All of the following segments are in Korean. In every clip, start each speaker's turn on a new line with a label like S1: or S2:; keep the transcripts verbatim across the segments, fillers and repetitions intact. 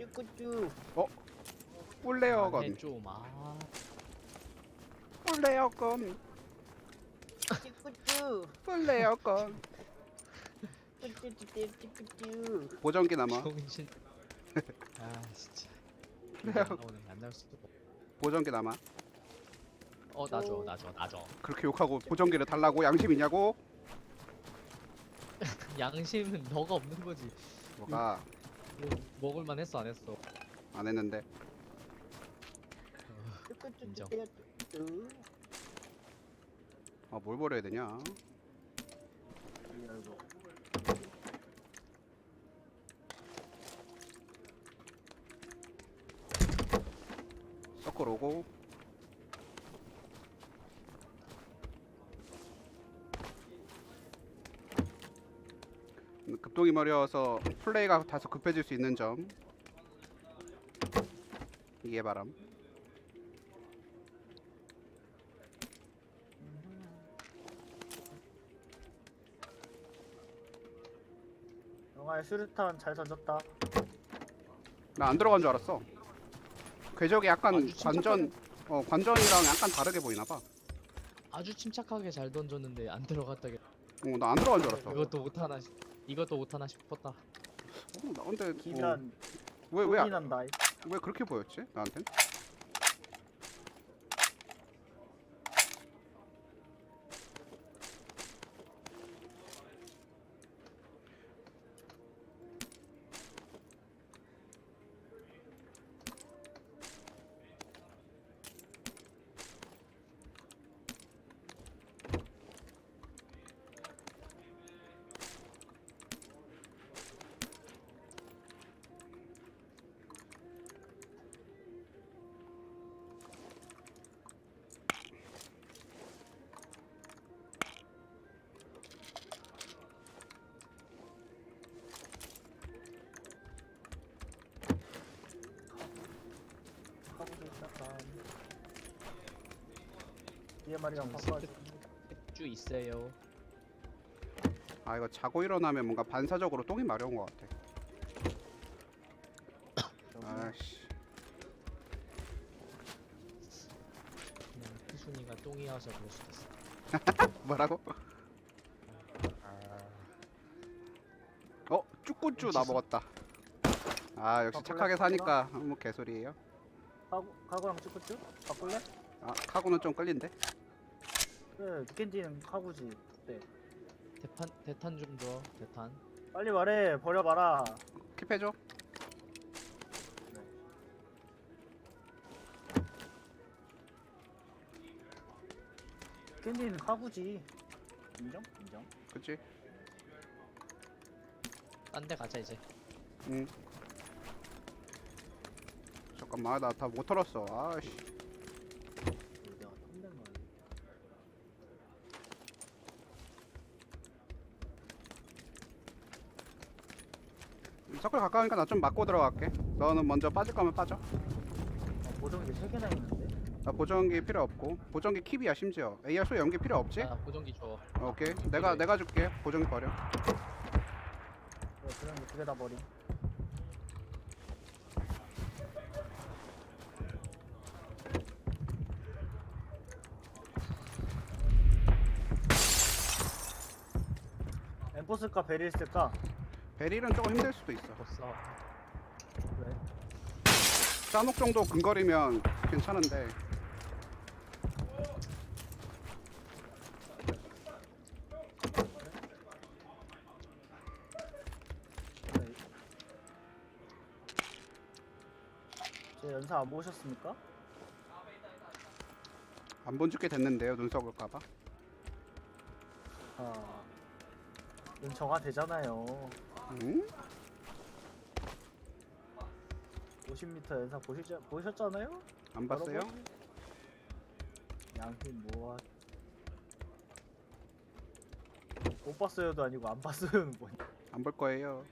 S1: 쭈꾸쭈.
S2: 어? 꿀레어건.
S3: 해좀 아.
S2: 꿀레어건.
S1: 쭈꾸쭈.
S2: 꿀레어건.
S1: 쭈쭈쭈쭈 쭈꾸쭈.
S2: 보정기 남아.
S3: 정신. 아 진짜.
S2: 그래요.
S3: 오늘 만날 수도. 없고.
S2: 보정기 남아.
S3: 어 나줘 나줘 나줘.
S2: 그렇게 욕하고 보정기를 달라고 양심 있냐고?
S3: 양심은 너가 없는 거지.
S2: 뭐가
S3: 뭐, 먹을만 했어 안 했어.
S2: 안 했는데.
S3: 인정.
S1: 쭈꾸쭈.
S2: 아, 뭘 버려야 되냐?
S1: 이거.
S2: 서클 오고. 급동이 머리여서 플레이가 다소 급해질 수 있는 점 이해 바람.
S1: 영화의 수류탄 잘 던졌다.
S2: 나 안 들어간 줄 알았어. 궤적이 약간
S3: 아주 침착하게-
S2: 관전 어 관전이랑 약간 다르게 보이나 봐.
S3: 아주 침착하게 잘 던졌는데 안 들어갔다게.
S2: 어, 나 안 들어간 줄 알았어.
S3: 이것도 못하나 싶- 이것도 못하나 싶었다.
S2: 어, 나 근데
S1: 기면
S2: 왜왜
S1: 이 난다.
S2: 왜 그렇게 보였지? 나한텐?
S1: 하고도 시작한. 뒤에 말이랑 바꿔야지.
S3: 쭉 있어요.
S2: 아 이거 자고 일어나면 뭔가 반사적으로 똥이 마려운 것 같아. 아씨.
S3: 그냥 희순이가 똥이어서 그럴 수도 있어.
S2: 뭐라고? 어? 쭈꾸쭈 나 먹었다. 아 역시
S1: 바꿀래?
S2: 착하게 사니까 뭐 개소리예요.
S1: 카고 카고랑 쭈꾸쭈? 바꿀래?
S2: 아 카구는 좀 끌린데?
S1: 그래 캔디는 카고지. 네.
S3: 대탄 대탄 좀 줘. 대탄.
S1: 빨리 말해. 버려봐라.
S2: 킵해줘.
S1: 캔디는 카고지. 인정? 인정.
S2: 그치?
S3: 딴 데 가자 이제.
S2: 응. 잠깐만 나 다 못 털었어. 아씨.
S1: 내가 탐낸 거야.
S2: 서클 가까우니까 나 좀 맞고 들어갈게. 너는 먼저 빠질 거면 빠져.
S1: 아, 보정기 세 개나 있는데.
S2: 나 보정기 필요 없고 보정기 킵이야 심지어. 에이알 소 연기 필요 없지?
S3: 아 보정기 줘.
S2: 오케이. 내가 내가 줄게. 보정기 버려.
S1: 그래 그런 거 두 개 다 버림. 엠포 쓸까 베릴 쓸까?
S2: 베릴은 조금 힘들 수도 있어.
S3: 벌써.
S1: 그래.
S2: 싸녹 정도 근거리면 괜찮은데.
S1: 그래. 제 연사 안 보셨습니까?
S2: 안 본 지꽤 됐는데요. 눈 썩을까봐.
S1: 아, 눈 정화 되잖아요.
S2: 응?
S1: 오십 미터 연사 보시죠, 보셨잖아요?
S2: 안 봤어요?
S1: 여러분? 양팀 뭐야? 못 봤어요도 아니고 안 봤어요는 뭐냐?
S2: 안 볼 거예요.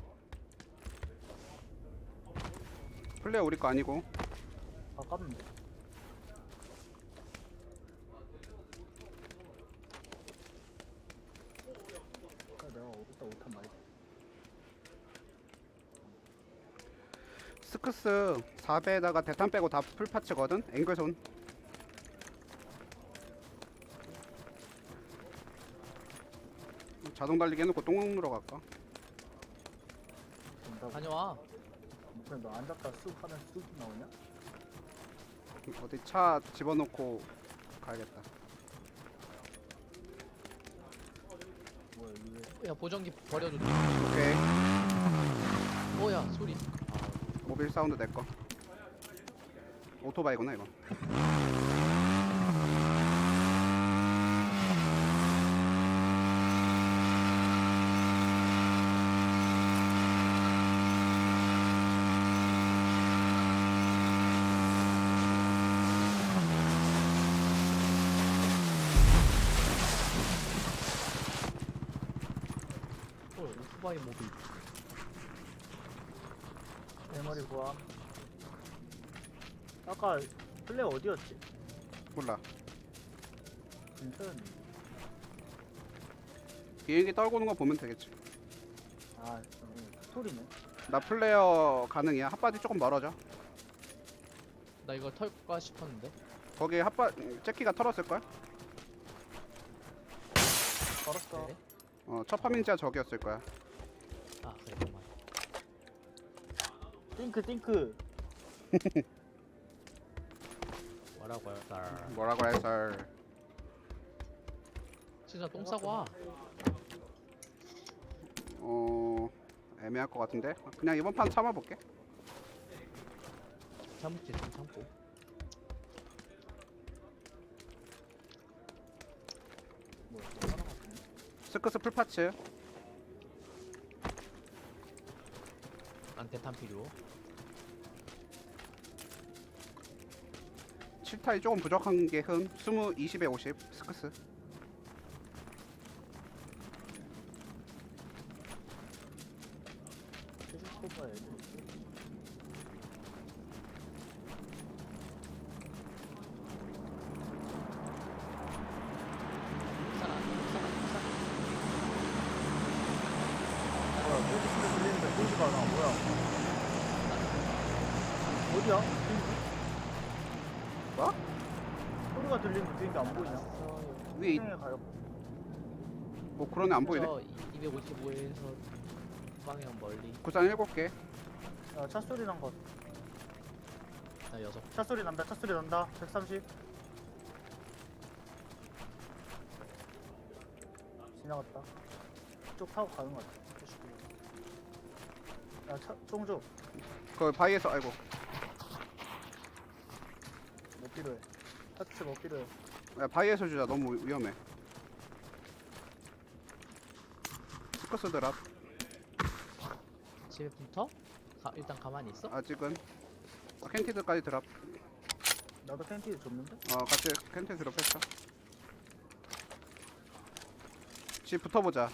S2: 플레어 우리 거 아니고.
S1: 아깝는데. 내가 어디다 오탄 많이.
S2: 스크스 사 배에다가 대탄 빼고 다 풀파츠거든. 앵글손. 자동 달리기 해놓고 똥 누러 갈까?
S1: 된다고.
S3: 다녀와.
S1: 그럼 너 앉았다 쑥 하면 쑥 나오냐?
S2: 어디 차 집어넣고 가야겠다.
S1: 뭐야 이게?
S3: 야 보정기 버려줘.
S2: 오케이.
S3: 뭐야 소리.
S2: 모빌 사운드 내꺼. 오토바이구나 이거.
S3: 어 오토바이 모빌.
S1: 대머리 구함. 아까 플레이 어디였지?
S2: 몰라.
S1: 근처였는데.
S2: 비행기 떨고 오는 거 보면 되겠지.
S1: 아 음, 스토리네.
S2: 나 플레이어 가능이야. 핫바디 조금 멀어져.
S3: 나 이거 털까 싶었는데.
S2: 거기 핫바 잭키가 털었을걸?
S1: 걸었어.
S3: 그래?
S2: 어, 첫 파밍자 저기였을 거야.
S3: 아 그래 잠깐만.
S1: 띵크 띵크.
S3: 뭐라고 할까?
S2: 뭐라고 해서
S3: 진짜 똥 싸고 와.
S2: 어 애매할 것 같은데 그냥 이번 판 참아볼게.
S3: 참을지 좀 참고.
S1: 뭐야 또 하나 같네.
S2: 스크스 풀파츠.
S3: 난 대탄 필요.
S2: 칠 타이 조금 부족한 게 흠. 이십, 이십에 오십 스크스.
S1: 최신 스코pa 애들. 뭐야 뮤직 소리 들리는데 보이지가 않아. 뭐야? 어디야? 비행기?
S2: 뭐?
S1: 소리가 들리는데 비행기 안 보이냐?
S2: 위에 이-
S1: 수영에 가요.
S2: 뭐 그러네 안 보이네.
S3: 저 이백오십오에서 방향 멀리.
S2: 구상 일곱 개.
S1: 야, 차 소리 난 것.
S3: 나 여섯.
S1: 차 소리 난다. 차 소리 난다. 백삼십. 지나갔다. 쭉 타고 가는 것 같아. 야, 차, 쫑쫑.
S2: 그 바위에서 아이고.
S1: 뭐 필요해? 파츠 뭐 필요해?
S2: 야, 바위에서 주자. 너무 위험해. 스크스 드랍.
S3: 집에 붙어? 가, 일단 가만히 있어?
S2: 아직은. 아, 캔티드까지 드랍.
S1: 나도 팬티 줬는데?
S2: 어 같이 캔티 드랍했어. 집 붙어보자.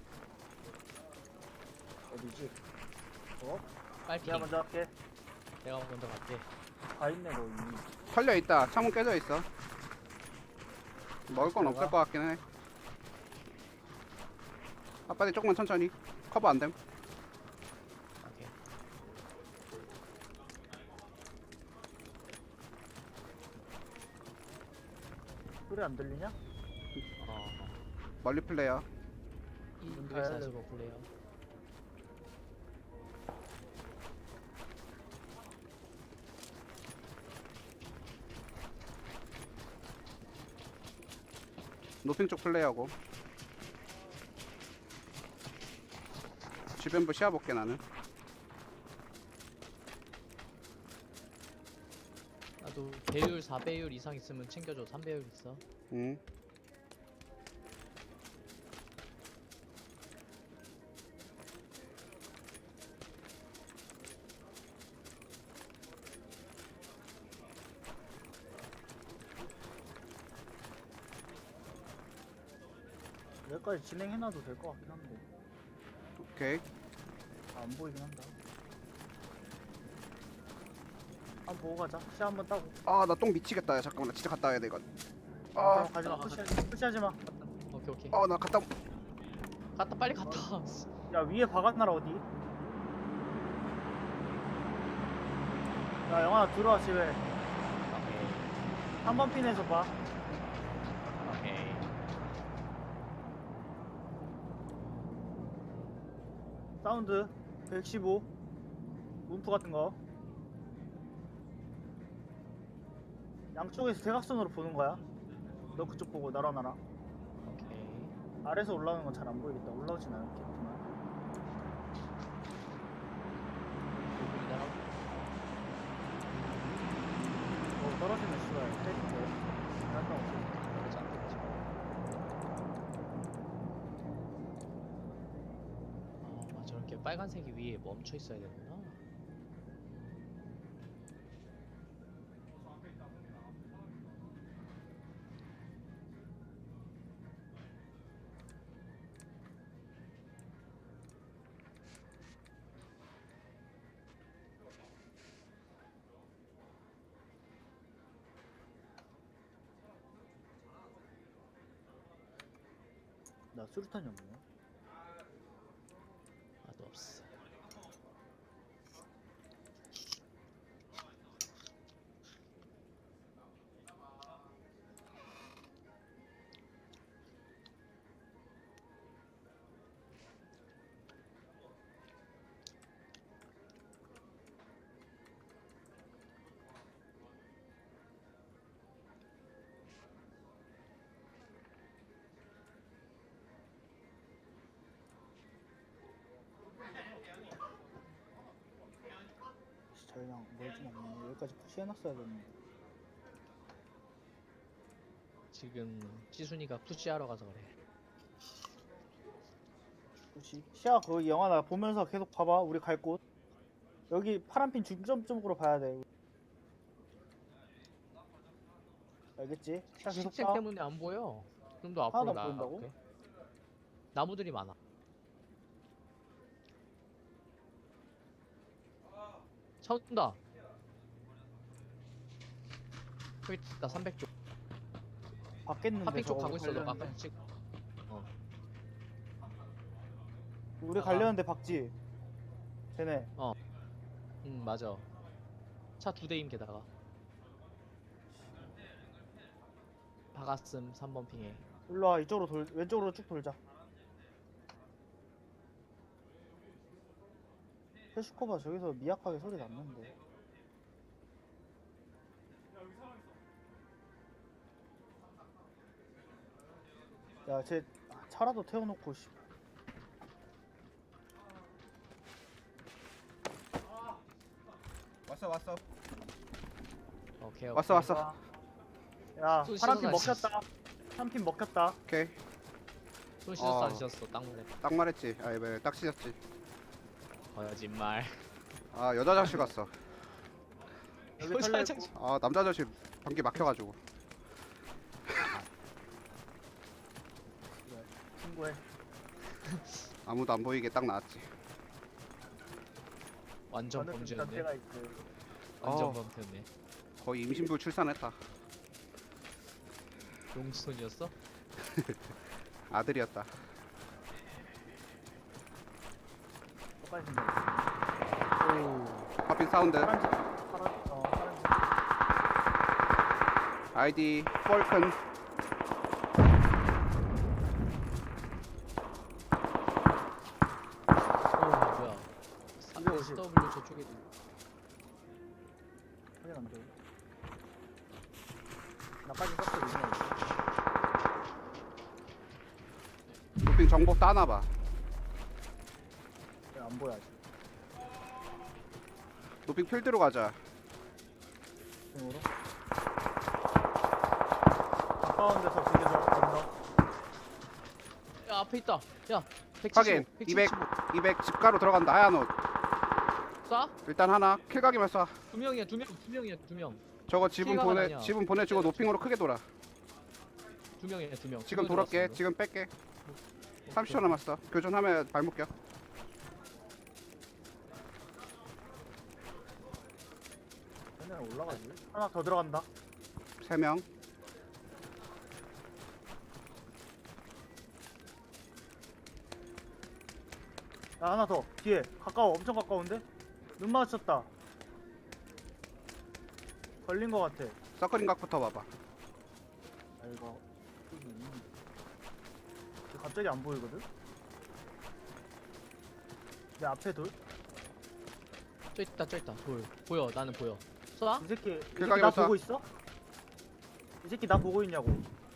S1: 어디지? 어?
S3: 빨리
S1: 내가 먼저 할게.
S3: 내가 먼저 갈게.
S1: 다 있네, 너 이미.
S2: 털려 있다. 창문 깨져 있어. 먹을 건
S1: 들어가.
S2: 없을 것 같긴 해. 아빠들 조금만 천천히. 커버 안 됨.
S3: 오케이.
S1: 소리 안 들리냐?
S3: 어.
S2: 멀리 플레이어.
S3: 이백사십오 플레이어.
S2: 노핑 쪽 플레이하고. 주변부 시야볼게 나는.
S3: 나도 배율 사 배율 이상 있으면 챙겨줘. 삼 배율 있어.
S2: 응.
S1: 여기까지 진행해놔도 될 것 같긴 한데.
S2: 오케이.
S1: 아, 안 보이긴 한다. 한번 보고 가자. 시 한번 따고.
S2: 아 나 똥 미치겠다. 야, 잠깐만 나 진짜 갔다 와야 돼 이건.
S1: 아,
S2: 아,
S1: 가지마.
S3: 아,
S1: 푸시하지, 푸시하지 마.
S3: 오케이 오케이.
S2: 어 나 갔다.
S3: 갔다 빨리 갔다.
S1: 야, 위에 박았나라 어디? 야 영환아 들어와 집에.
S3: 오케이.
S1: 삼 번 핀에서 봐.
S3: 오케이.
S1: 사운드 백십오. 문프 같은 거. 양쪽에서 대각선으로 보는 거야. 너 그쪽 보고 나랑 나랑.
S3: 오케이.
S1: 아래서 올라오는 건 잘 안 보이겠다. 올라오진 않겠구나.
S3: 여기다가
S1: 어 떨어지면 씨발 때리고. 상관없어.
S3: 그러지 않겠지. 아, 저렇게 빨간색이 위에 멈춰 있어야 되구나.
S1: 나 수류탄이 없네.
S3: 나도 없어.
S1: 저희랑 뭘좀 없네. 여기까지 푸시해놨어야 되는데.
S3: 지금 찌순이가 푸시하러 가서 그래.
S1: 푸시. 시야 거기 영화나 보면서 계속 봐봐. 우리 갈 곳. 여기 파란핀 중점 쪽으로 봐야 돼. 알겠지? 시야 계속
S3: 식색
S1: 봐.
S3: 때문에 안 보여. 좀 더 앞으로
S1: 하나도 안 보인다고?
S3: 나갈게. 나무들이 많아. 차 온다. 여기 있다. 삼백 쪽.
S1: 받겠는데
S3: 파핑 쪽
S1: 저거
S3: 가고 있어. 너
S1: 가려는데.
S3: 아까 찍. 어.
S1: 우리
S3: 아.
S1: 가려는데 박지. 쟤네.
S3: 응 맞아. 차 두 대임 게다가. 박았음 삼 번 핑에.
S1: 일로와 이쪽으로 돌 왼쪽으로 쭉 돌자. 페슈코바 저기서 미약하게 소리 났는데. 야, 쟤 차라도 태워놓고 씨.
S2: 왔어 왔어.
S3: 오케이.
S2: 왔어
S3: 오케이.
S2: 왔어.
S1: 야,
S3: 손
S1: 파란핀
S3: 씻어서
S1: 먹혔다. 파란핀 먹혔다.
S2: 오케이.
S3: 손 씻었어
S2: 어.
S3: 안 씻었어? 딱 말해.
S2: 딱 말했지. 아이 왜 딱 찢었지.
S3: 거짓말.
S2: 아 여자 자식 왔어.
S1: 여기
S3: 여자
S1: 털려
S3: 자식.
S1: 있고.
S2: 아 남자 자식 방귀 막혀가지고.
S1: 친구해.
S2: 아무도 안 보이게 딱 나왔지.
S3: 완전
S1: 어느
S3: 범죄였네.
S1: 단체가 있고.
S3: 완전
S2: 어.
S3: 범죄였네.
S2: 거의 임신부 출산했다.
S3: 용지손이었어?
S2: 아들이었다.
S1: 똑같이 생겼어.
S3: 오.
S2: 파핀 사운드.
S1: 파란색. 파란. 어, 파란색.
S2: 아이디 폴큰.
S3: 오 뭐야?
S1: 이백오십.
S3: 에스더블유 저쪽에
S1: 확인 안 돼. 나까지 섞여 있네.
S2: 도핑 정보 따놔봐.
S1: 안 보여 아직.
S2: 도핑 필드로 가자.
S1: 등으로. 가까운 데서 비교적 건너.
S3: 야 앞에 있다. 야
S2: 확인.
S3: 백칠십오.
S2: 이백 이백 집가로 들어간다. 하얀 옷.
S3: 쏴?
S2: 일단 하나 킬각이면 쏴.
S3: 두 명이야 두 명. 두 명이야 두 명.
S2: 저거 지분
S3: 킬각은
S2: 보내
S3: 아니야.
S2: 지분 보내주고 노핑으로 크게 돌아.
S3: 두 명이야 두 명.
S2: 지금
S3: 두명
S2: 돌았게.
S3: 들어왔어,
S2: 지금 뺄게.
S3: 너.
S2: 삼십 초 남았어. 교전하면 발목 껴.
S1: 그냥 올라가지. 하나 더 들어간다.
S2: 세 명.
S1: 야 하나 더 뒤에 가까워 엄청 가까운데 눈 마주쳤다. 걸린 거 같아.
S2: 서클인 각부터 봐봐.
S1: 아 이거 이거 갑자기 안 보이거든? 내 앞에 돌?
S3: 저 있다 저 있다 돌 보여. 나는 보여. 쏘나?
S1: 이 새끼 이 새끼
S2: 길가게
S1: 나
S2: 봤어?
S1: 보고 있어? 이 새끼 나 보고 있냐고.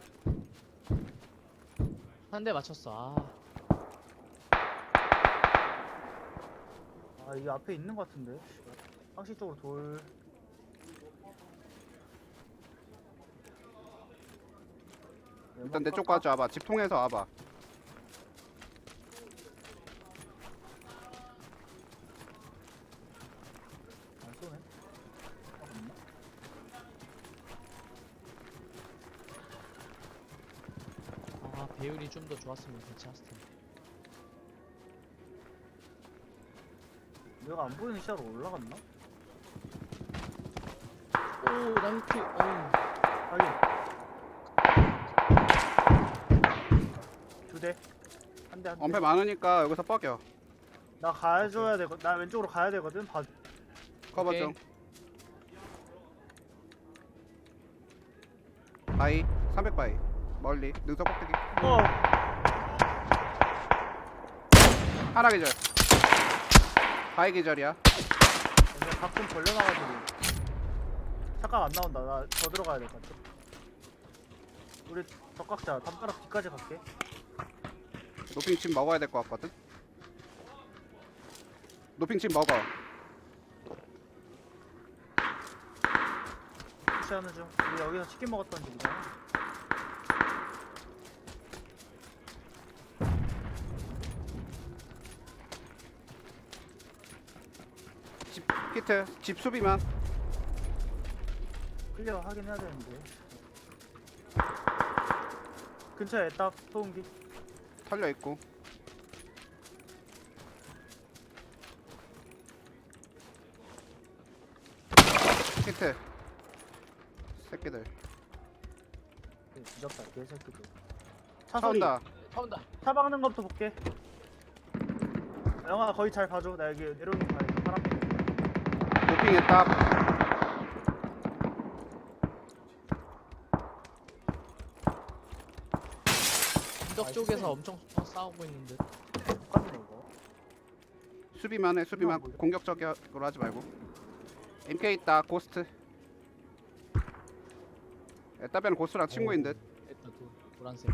S3: 한 대 맞췄어. 아
S1: 아 이 앞에 있는 거 같은데. 상시 쪽으로 돌.
S2: 일단 내 쪽 가져 와봐. 집 통해서 와봐.
S1: 안 쏘네. 아, 없나?
S3: 아 배율이 좀 더 좋았으면 괜찮았을 텐데.
S1: 내가 안 보이는 시야로 올라갔나?
S3: 오 나이키. 어우.
S1: 확인. 두 대. 한 대, 한 대.
S2: 엄폐 많으니까 여기서 뻐겨.
S1: 나 가줘야 되거. 나 왼쪽으로 가야 되거든. 봐.
S2: 커버
S3: 오케이.
S2: 좀. 바이 삼백 바이 멀리 능선 꼭대기
S1: 어.
S2: 하나 기절. 바이 기절이야.
S1: 내가 가끔 벌려놔가지고. 잠깐 안 나온다. 나 더 들어가야 될 것 같아. 우리 덕각자 담벼락 뒤까지 갈게.
S2: 노핑 칩 먹어야 될 것 같거든. 노핑 칩 먹어.
S1: 푸시하는 중. 우리 여기서 치킨 먹었던 집이잖아.
S2: 집 히트 집 수비만.
S1: 클리어 하긴 해야 되는데. 근처에 딱 소음기.
S2: 털려 있고. 히트. 새끼들.
S1: 뒤졌다 개새끼들.
S2: 차
S1: 차 소리.
S2: 온다.
S3: 차 온다.
S1: 차 박는 것부터 볼게. 영아 거의 잘 봐줘. 나 여기 내려오는 거 봐야 파란 빛.
S2: 노핑에 딱.
S3: 언덕
S1: 아,
S3: 쪽에서
S1: 진짜.
S3: 엄청 어, 싸우고 있는데.
S1: 똑같네 이거.
S2: 수비만 해 수비만.
S1: 뭐야?
S2: 공격적으로 하지 말고. 엠케이 있다 고스트. 에따변은 고스트랑 친구인 듯.
S3: 일단 도, 노란색.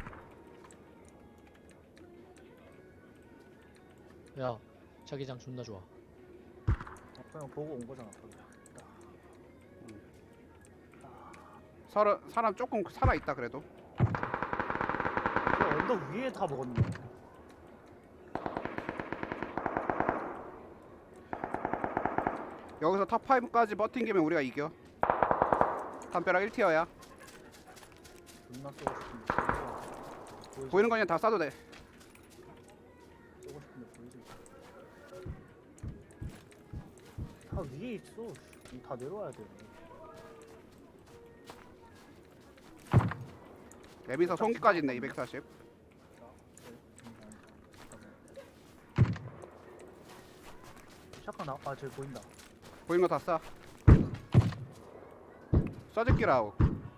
S3: 야 자기장 존나 좋아.
S1: 어, 그냥 보고 온 거잖아. 거기.
S2: 서로, 사람 조금 살아있다 그래도.
S1: 야, 언덕 위에 다 먹었네.
S2: 여기서 탑 파이브까지 버팅기면 우리가 이겨. 담벼락 일 티어야.
S1: 존나 쏘고 싶은데. 보이지?
S2: 보이는 거 그냥 다 쏴도 돼.
S1: 쏘고 싶은데 보이지? 다 위에 있어. 씨. 다 내려와야 돼.
S2: 랩에서 송기까지 있네 이백사십.
S1: 샷건 나. 아 저기 보인다.
S2: 보이는 거 다 쏴. 쏴줄기 라우.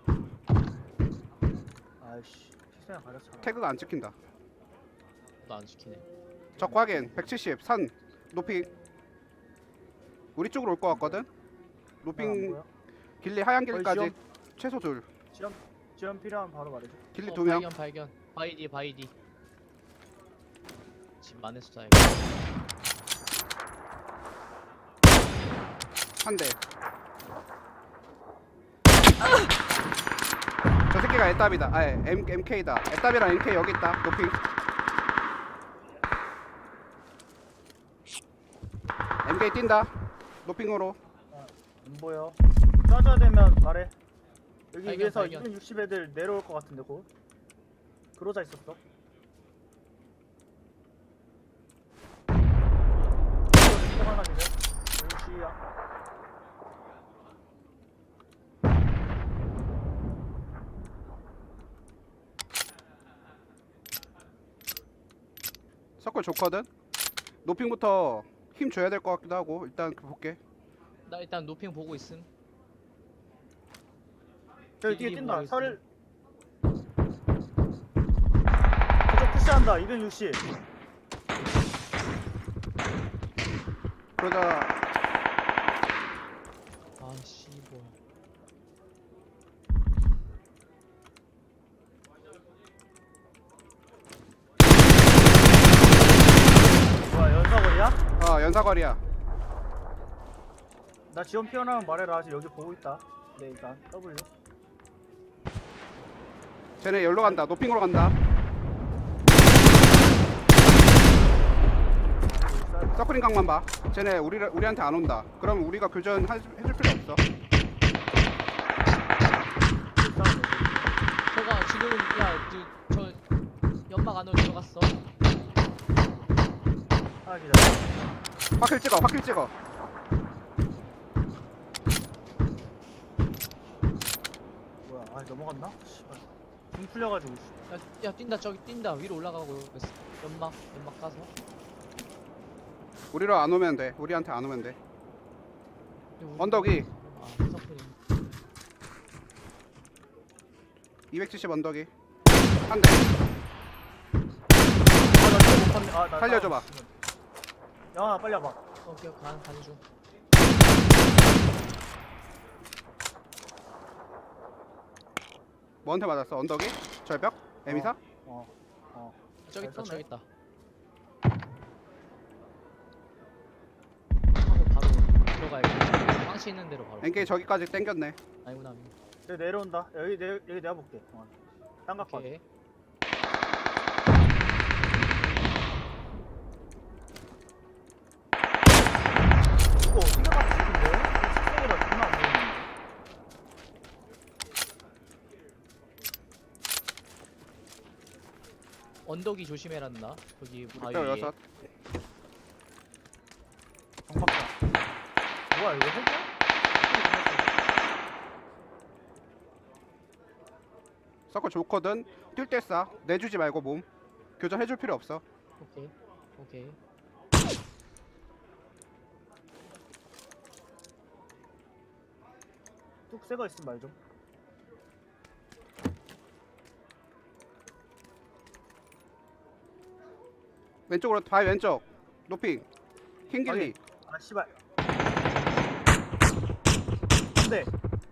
S1: 아이씨. 시선이 가렸잖아.
S2: 태그가 안 찍힌다.
S3: 나 안 시키네.
S2: 적 확인 백칠십 산 노핑. 우리 쪽으로 올 것 같거든.
S1: 안
S2: 노핑
S1: 보여?
S2: 길리 하얀
S1: 거의
S2: 길까지
S1: 지원,
S2: 최소 둘.
S1: 지원 지원 필요하면 바로 말해줘.
S2: 길리
S3: 어,
S2: 두 명.
S3: 발견 발견. 바이디 바이디. 집 안에서 쏴야
S2: 한 대. 저 새끼가 에따비다. 아, M MK다. 에따비랑 엠케이 여기 있다. 노핑. 엠케이 뛴다. 노핑으로.
S1: 안 보여. 쏴줘야 되면 말해. 여기
S3: 발견,
S1: 위에서
S3: 발견.
S1: 이백육십 애들 내려올 것 같은데 곧. 그러자 있었어. 이거 하나 기대. 오시야.
S2: 서클 좋거든. 노핑부터 힘 줘야 될 것 같기도 하고 일단 그 볼게.
S3: 나 일단 노핑 보고 있음.
S1: 저기 뒤에
S3: 이
S1: 뛴다.
S3: 모르겠어.
S1: 설을. 저쪽 푸시한다. 이백육십.
S2: 그러자
S3: 아씨 뭐야.
S1: 뭐야 연사거리야?
S2: 어 연사거리야.
S1: 나 지원 피어나면 말해라. 아직 여기 보고 있다. 네 일단 W.
S2: 쟤네 열로 간다. 노핑으로 간다. 서클링 각만 봐. 쟤네 우리 우리한테 안 온다. 그럼 우리가 교전 할- 해줄 필요 없어.
S3: 저가 지금 야저 연막 안으로 들어갔어.
S1: 하나 기다려.
S2: 확킬 찍어. 확킬 찍어.
S1: 뭐야? 아 넘어갔나? 씨발. 등 풀려가지고. 씨.
S3: 야, 야 뛴다 저기 뛴다 위로 올라가고 있어. 연막 연막 가서.
S2: 우리로 안 오면 돼. 우리한테 안 오면 돼.
S3: 우리-
S2: 언덕이
S3: 아 서클이.
S2: 이백칠십 언덕이 한 대.
S1: 아나 지금 못 봤네. 아나
S2: 살려줘봐.
S1: 영아 빨리 와봐.
S3: 오케이 간 가는 중.
S2: 뭐한테 맞았어? 언덕이? 절벽? 에미사?
S1: 어. 어.
S3: 저기 있다
S1: 잘
S3: 저기
S1: 쏘네.
S3: 있다. 하고 바로 들어가야겠다. 빵치 있는 대로 바로.
S2: 엔케이 저기까지 땡겼네.
S3: 아니구나. 아니구나.
S1: 여기 내려온다. 여기 내 여기 내가 볼게. 어. 딴각 봐.
S3: 오케이.
S1: 이거 생각보다 좋은데? 생각보다 존나 안 보이네.
S3: 언덕이 조심해란다. 거기 바위
S2: 뼈
S3: 위에.
S2: 여섯.
S1: 정박사. 뭐야 이거 핵이야?
S2: 서클 좋거든. 뛸 때 쏴. 내주지 말고 몸. 교전 해줄 필요 없어.
S3: 오케이. 오케이.
S1: 뚝 새거 있으면 말 좀.
S2: 왼쪽으로 바위 왼쪽. 노핑. 킹길리.
S1: 아 씨발. 안돼.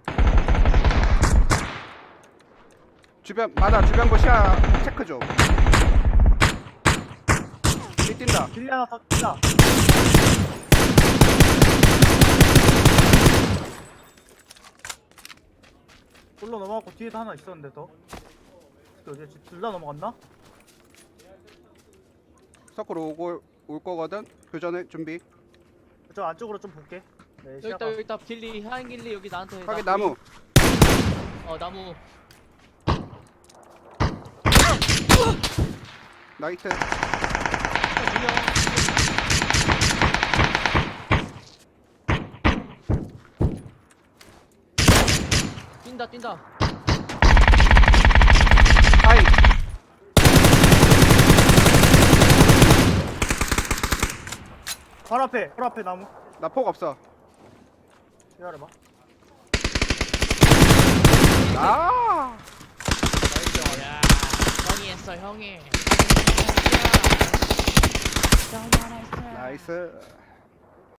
S2: 주변 맞아. 주변 보시야 체크 좀. 이 뛴다.
S1: 길리 하나 더 뛴다. 골로 넘어갔고 뒤에도 하나 있었는데 더. 어디 둘 다 넘어갔나?
S2: 서클 오고 올 거거든. 교전해 준비.
S1: 저 안쪽으로 좀 볼게. 네
S3: 여기
S1: 시야가.
S3: 있다 여기 있다 길리 하얀 길리 여기 나한테.
S2: 확인
S3: 나
S2: 나무.
S3: 보이- 어 나무.
S2: 나이트.
S3: 어, 분명. 뛴다 뛴다.
S2: 하이.
S1: 바로 앞에 바로 앞에 나무.
S2: 나 폭 없어.
S1: 기다려봐.
S2: 아.
S3: 야 형이 했어 형이.
S2: 나이스.